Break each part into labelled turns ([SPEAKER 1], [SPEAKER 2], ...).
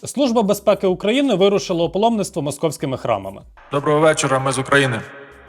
[SPEAKER 1] Служба безпеки України вирушила у паломництво московськими храмами.
[SPEAKER 2] Доброго вечора, ми з України.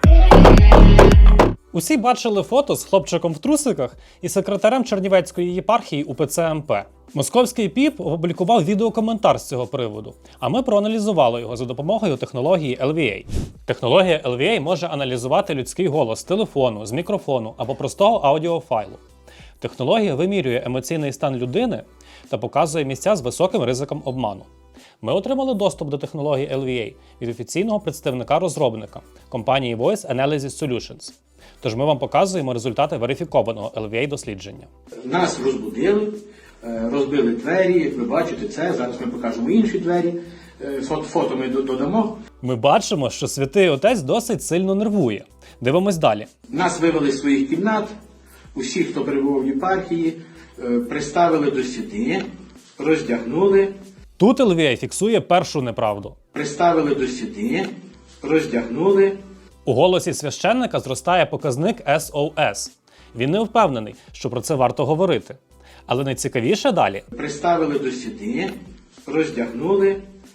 [SPEAKER 1] Усі бачили фото з хлопчиком в трусиках і секретарем Чернівецької єпархії УПЦ МП. Московський ПІП опублікував відеокоментар з цього приводу, а ми проаналізували його за допомогою технології LVA. Технологія LVA може аналізувати людський голос з телефону, з мікрофону або простого аудіофайлу. Технологія вимірює емоційний стан людини та показує місця з високим ризиком обману. Ми отримали доступ до технології LVA від офіційного представника-розробника компанії Voice Analysis Solutions. Тож ми вам показуємо результати верифікованого LVA-дослідження.
[SPEAKER 3] Нас розбудили, розбили двері, як ви бачите це, зараз ми покажемо інші двері, фото ми додамо.
[SPEAKER 1] Ми бачимо, що Святий Отець досить сильно нервує. Дивимось далі.
[SPEAKER 3] Нас вивели з своїх кімнат, усіх, хто перебував в єпархії, приставили до стіни, роздягнули.
[SPEAKER 1] Тут LVA фіксує першу неправду.
[SPEAKER 3] Приставили до стіни, роздягнули.
[SPEAKER 1] У голосі священника зростає показник SOS. Він не впевнений, що про це варто говорити. Але найцікавіше далі.
[SPEAKER 3] Приставили до стіни, роздягнули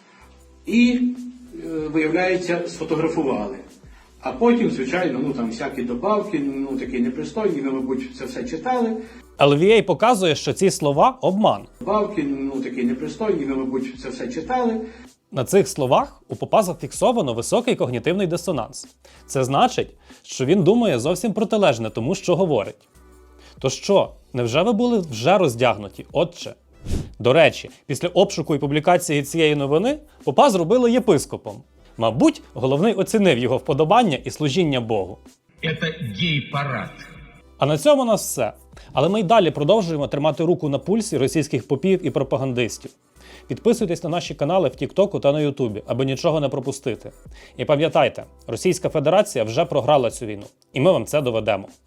[SPEAKER 3] і, виявляється, сфотографували. А потім, звичайно, там всякі добавки, такі непристойні, ви, мабуть, це все читали.
[SPEAKER 1] LVA показує, що ці слова – обман.
[SPEAKER 3] Добавки, такі непристойні, ви, мабуть, це все читали.
[SPEAKER 1] На цих словах у попа зафіксовано високий когнітивний дисонанс. Це значить, що він думає зовсім протилежне тому, що говорить. То що, невже ви були вже роздягнуті, отче? До речі, після обшуку і публікації цієї новини попа зробили єпископом. Мабуть, головний оцінив його вподобання і служіння Богу.
[SPEAKER 4] Це гей-парад.
[SPEAKER 1] А на цьому у нас все. Але ми й далі продовжуємо тримати руку на пульсі російських попів і пропагандистів. Підписуйтесь на наші канали в Тіктоку та на Ютубі, аби нічого не пропустити. І пам'ятайте, Російська Федерація вже програла цю війну. І ми вам це доведемо.